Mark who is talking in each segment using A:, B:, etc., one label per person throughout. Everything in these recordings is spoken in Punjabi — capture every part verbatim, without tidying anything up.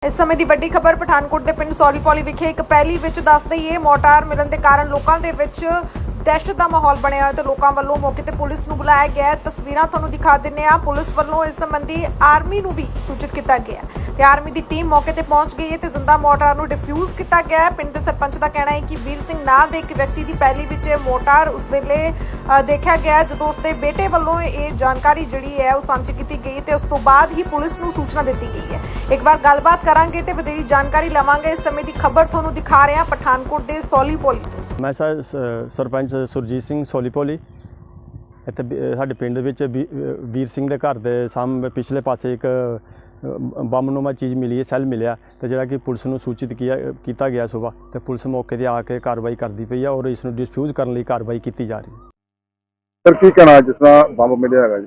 A: ਇਸ ਸਮੇਂ ਦੀ ਵੱਡੀ ਖਬਰ ਪਠਾਨਕੋਟ ਦੇ ਪਿੰਡ ਸੌਲੀਪੌਲੀ ਵਿਖੇ ਇੱਕ ਪਹਿਲੀ ਵਿੱਚ ਦੱਸ ਦਈਏ ਮੋਟਾਰ ਮਿਲਣ ਦੇ ਕਾਰਨ ਲੋਕਾਂ ਦੇ ਵਿੱਚ ਦਹਿਸ਼ਤ ਦਾ ਮਾਹੌਲ ਬਣਿਆ ਹੋਇਆ ਤੇ ਲੋਕਾਂ ਵੱਲੋਂ ਮੌਕੇ ਤੇ ਪੁਲਿਸ ਨੂੰ ਬੁਲਾਇਆ ਗਿਆ ਹੈ। ਤਸਵੀਰਾਂ ਤੁਹਾਨੂੰ ਦਿਖਾ ਦਿੰਨੇ ਆ। ਪੁਲਿਸ ਵੱਲੋਂ ਇਸ ਸੰਬੰਧੀ ਆਰਮੀ ਨੂੰ ਵੀ ਸੂਚਿਤ ਕੀਤਾ ਗਿਆ ਤੇ ਆਰਮੀ ਦੀ ਟੀਮ ਮੌਕੇ ਤੇ ਪਹੁੰਚ ਗਈ ਹੈ ਤੇ ਜ਼ਿੰਦਾ ਮੋਟਾਰ ਨੂੰ ਡਿਫਿਊਜ਼ ਕੀਤਾ ਗਿਆ ਹੈ। ਪਿੰਡ ਦੇ ਸਰਪੰਚ ਦਾ ਕਹਿਣਾ ਹੈ ਕਿ ਵੀਰ ਸਿੰਘ ਨਾਂ ਦੇ ਇੱਕ ਵਿਅਕਤੀ ਦੀ ਪਹਿਲੀ ਵਿੱਚ ਮੋਟਾਰ ਉਸ ਵੇਲੇ ਦੇਖਿਆ ਗਿਆ ਜਦੋਂ ਉਸਦੇ ਬੇਟੇ ਵੱਲੋਂ ਇਹ ਜਾਣਕਾਰੀ ਜਿਹੜੀ ਹੈ ਉਹ ਸਾਂਝੀ ਕੀਤੀ ਗਈ ਤੇ ਉਸ ਤੋਂ ਬਾਅਦ ਹੀ ਪੁਲਿਸ ਨੂੰ ਸੂਚਨਾ ਦਿੱਤੀ ਗਈ ਹੈ। ਇੱਕ ਵਾਰ ਗੱਲਬਾਤ ਕਰਾਂਗੇ ਤੇ ਵਧੇਰੀ ਜਾਣਕਾਰੀ ਲਵਾਂਗੇ। ਇਸ ਸਮੇਂ ਦੀ ਖਬਰ ਤੁਹਾਨੂੰ ਦਿਖਾ ਰਹੇ ਹਾਂ ਪਠਾਨਕੋਟ ਦੇ ਸੌਲੀਪੌਲੀ ਤੋਂ।
B: मैं सर सरपंच सुरजीत सिंह सौलीपौली ਇੱਥੇ ਸਾਡੇ ਪਿੰਡ ਵਿੱਚ ਵੀਰ ਸਿੰਘ ਦੇ ਘਰ ਦੇ ਸਾਹਮਣੇ ਪਿਛਲੇ ਪਾਸੇ ਇੱਕ ਬੰਬਨੁਮਾ ਚੀਜ਼ ਮਿਲੀ ਹੈ, ਸੈੱਲ ਮਿਲਿਆ ਤੇ ਜਿਹੜਾ ਕਿ ਪੁਲਿਸ ਨੂੰ ਸੂਚਿਤ ਕੀਤਾ ਗਿਆ ਸੁਬਾਹ ਤੇ ਪੁਲਿਸ ਮੌਕੇ ਤੇ ਆ ਕੇ ਕਾਰਵਾਈ ਕਰਦੀ ਪਈ ਹੈ ਔਰ ਇਸ ਨੂੰ ਡਿਸਫਿਊਜ਼ ਕਰਨ ਲਈ ਕਾਰਵਾਈ ਕੀਤੀ ਜਾ ਰਹੀ ਹੈ।
C: ਸਰ ਕੀ ਕਹਿਣਾ ਜਿਸ ਤਰ੍ਹਾਂ ਬੰਬ ਮਿਲਿਆ ਹੈਗਾ ਜੀ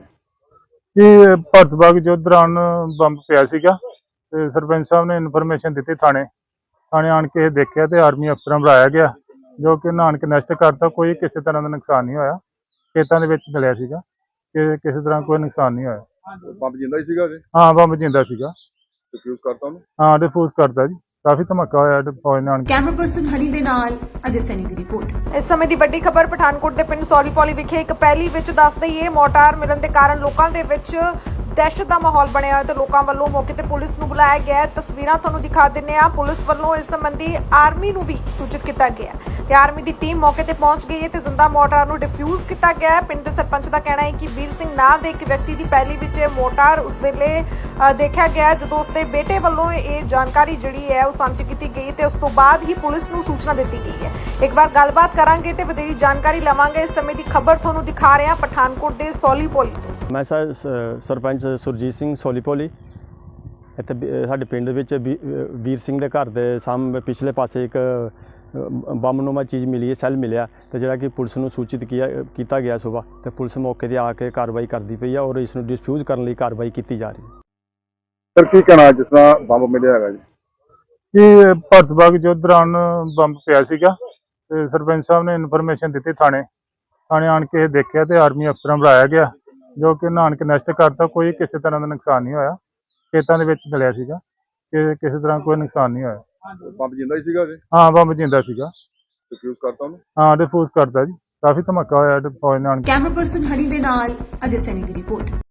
D: ਕਿ ਭਾਰਤ ਬਾਗ ਜੋ ਦੌਰਾਨ ਬੰਬ ਪਿਆ ਸੀਗਾ ਤੇ ਸਰਪੰਚ ਸਾਹਿਬ ਨੇ ਇਨਫੋਰਮੇਸ਼ਨ ਦਿੱਤੀ ਥਾਣੇ ਥਾਣੇ ਆਣ ਕੇ ਦੇਖਿਆ ਤੇ ਆਰਮੀ ਅਫਸਰਾਂ ਬੁਲਾਇਆ ਗਿਆ ਜੋ ਕਿ ਨਾਨਕ ਨਸ਼ਟ ਕਰਤਾ। ਕੋਈ ਕਿਸੇ ਤਰ੍ਹਾਂ ਦਾ ਨੁਕਸਾਨ ਨਹੀਂ ਹੋਇਆ। ਖੇਤਾਂ ਦੇ ਵਿੱਚ ਮਿਲਿਆ ਸੀਗਾ ਕਿ ਕਿਸੇ ਤਰ੍ਹਾਂ ਕੋਈ ਨੁਕਸਾਨ ਨਹੀਂ ਹੋਇਆ।
C: ਬੰਬ ਜਿੰਦਾ ਹੀ ਸੀਗਾ ਜੀ?
D: ਹਾਂ ਬੰਬ ਜਿੰਦਾ ਸੀਗਾ।
C: ਡਿਫਿਊਜ਼ ਕਰਤਾ ਉਹਨੂੰ?
D: ਹਾਂ ਡਿਫਿਊਜ਼ ਕਰਤਾ ਜੀ। ਕਾਫੀ ਧਮਾਕਾ ਹੋਇਆ ਫੌਜ ਨਾਲ।
E: ਕੈਮਰਾ ਪਰਸਨ ਹਰੀ ਦੇ ਨਾਲ ਅਜੇ ਸੈਨੀ ਦੀ ਰਿਪੋਰਟ।
A: ਇਸ ਸਮੇਂ ਦੀ ਵੱਡੀ ਖਬਰ ਪਠਾਨਕੋਟ ਦੇ ਪਿੰਡ ਸੌਲੀਪੌਲੀ ਵਿਖੇ ਇੱਕ ਪਹਿਲੀ ਵਿੱਚ ਦੱਸ ਦਈਏ ਮੋਟਾਰ ਮਿਲਣ ਦੇ ਕਾਰਨ ਲੋਕਾਂ ਦੇ ਵਿੱਚ ਦਹਿਸ਼ਤ ਦਾ ਮਾਹੌਲ ਬਣਿਆ ਹੋਇਆ ਤੇ ਲੋਕਾਂ ਵੱਲੋਂ ਮੌਕੇ ਤੇ ਪੁਲਿਸ ਨੂੰ ਬੁਲਾਇਆ ਗਿਆ ਹੈ। ਤਸਵੀਰਾਂ ਤੁਹਾਨੂੰ ਦਿਖਾ ਦਿੰਨੇ ਆ। ਪੁਲਿਸ ਵੱਲੋਂ ਇਸ ਸੰਬੰਧੀ ਆਰਮੀ ਨੂੰ ਵੀ ਸੂਚਿਤ ਕੀਤਾ ਗਿਆ ਤੇ ਆਰਮੀ ਦੀ ਟੀਮ ਮੌਕੇ ਤੇ ਪਹੁੰਚ ਗਈ ਹੈ ਤੇ ਜ਼ਿੰਦਾ ਮੋਟਾਰ ਨੂੰ ਡਿਫਿਊਜ਼ ਕੀਤਾ ਗਿਆ ਹੈ। ਪਿੰਡ ਦੇ ਸਰਪੰਚ ਦਾ ਕਹਿਣਾ ਹੈ ਕਿ ਵੀਰ ਸਿੰਘ ਨਾਂ ਦੇ ਇੱਕ ਵਿਅਕਤੀ ਦੀ ਪਹਿਲੀ ਵਿੱਚ ਮੋਟਾਰ ਉਸ ਵੇਲੇ ਦੇਖਿਆ ਗਿਆ ਜਦੋਂ ਉਸਦੇ ਬੇਟੇ ਵੱਲੋਂ ਇਹ ਜਾਣਕਾਰੀ ਜਿਹੜੀ ਹੈ ਉਹ ਸਾਂਝੀ ਕੀਤੀ ਗਈ ਤੇ ਉਸ ਤੋਂ ਬਾਅਦ ਹੀ ਪੁਲਿਸ ਨੂੰ ਸੂਚਨਾ ਦਿੱਤੀ ਗਈ ਹੈ। ਇੱਕ ਵਾਰ ਗੱਲਬਾਤ ਕਰਾਂਗੇ ਤੇ ਵਧੇਰੀ ਜਾਣਕਾਰੀ ਲਵਾਂਗੇ। ਇਸ ਸਮੇਂ ਦੀ ਖਬਰ ਤੁਹਾਨੂੰ ਦਿਖਾ ਰਹੇ ਹਾਂ ਪਠਾਨਕੋਟ ਦੇ ਸੌਲੀਪੌਲੀ ਤੋਂ।
B: ਮੈਂ ਸਰ ਸਰਪੰਚ ਸੁਰਜੀਤ ਸਿੰਘ ਸੌਲੀਪੌਲੀ ਇੱਥੇ ਸਾਡੇ ਪਿੰਡ ਵਿੱਚ ਵੀਰ ਸਿੰਘ ਦੇ ਘਰ ਦੇ ਸਾਹਮਣੇ ਪਿਛਲੇ ਪਾਸੇ ਇੱਕ ਬੰਬਨੁਮਾ ਚੀਜ਼ ਮਿਲੀ ਹੈ, ਸੈੱਲ ਮਿਲਿਆ ਤੇ ਜਿਹੜਾ ਕਿ ਪੁਲਿਸ ਨੂੰ ਸੂਚਿਤ ਕੀਤਾ ਗਿਆ ਸੁਬਾਹ ਤੇ ਪੁਲਿਸ ਮੌਕੇ ਤੇ ਆ ਕੇ ਕਾਰਵਾਈ ਕਰਦੀ ਪਈ ਹੈ ਔਰ ਇਸ ਨੂੰ ਡਿਸਫਿਊਜ਼ ਕਰਨ ਲਈ ਕਾਰਵਾਈ ਕੀਤੀ ਜਾ ਰਹੀ ਹੈ।
C: ਸਰ ਕੀ ਕਹਿਣਾ ਜਿਸ ਤਰ੍ਹਾਂ ਬੰਬ ਮਿਲਿਆ ਹੈਗਾ ਜੀ
D: ਕਿ ਭਾਰਤ ਬਾਗ ਜੋ ਦੌਰਾਨ ਬੰਬ ਪਿਆ ਸੀਗਾ ਤੇ ਸਰਪੰਚ ਸਾਹਿਬ ਨੇ ਇਨਫੋਰਮੇਸ਼ਨ ਦਿੱਤੀ ਥਾਣੇ ਥਾਣੇ ਆਣ ਕੇ ਦੇਖਿਆ ਤੇ ਆਰਮੀ ਅਫਸਰਾਂ ਬੁਲਾਇਆ ਗਿਆ ਜੋ ਕਿ ਨਾਨਕ ਨਸ਼ਟ ਕਰਤਾ। ਕੋਈ ਕਿਸੇ ਤਰ੍ਹਾਂ ਦਾ ਨੁਕਸਾਨ ਨਹੀਂ ਹੋਇਆ। ਖੇਤਾਂ ਦੇ ਵਿੱਚ ਮਿਲਿਆ ਸੀਗਾ ਕਿ ਕਿਸੇ ਤਰ੍ਹਾਂ ਕੋਈ ਨੁਕਸਾਨ ਨਹੀਂ ਹੋਇਆ।
C: ਬੰਬ ਜਿੰਦਾ ਹੀ ਸੀਗਾ ਜੀ?
D: ਹਾਂ ਬੰਬ ਜਿੰਦਾ ਸੀਗਾ।
C: ਡਿਫਿਊਜ਼ ਕਰਤਾ ਉਹਨੂੰ? ਹਾਂ
D: ਡਿਫਿਊਜ਼ ਕਰਤਾ ਜੀ। ਕਾਫੀ ਧਮਾਕਾ ਹੋਇਆ ਫੌਜ ਨਾਲ।
E: ਕੈਮਰਾ ਪਰਸਨ ਹਰੀ ਦੇ ਨਾਲ ਅਜੇ ਸੈਨੀ ਦੀ ਰਿਪੋਰਟ।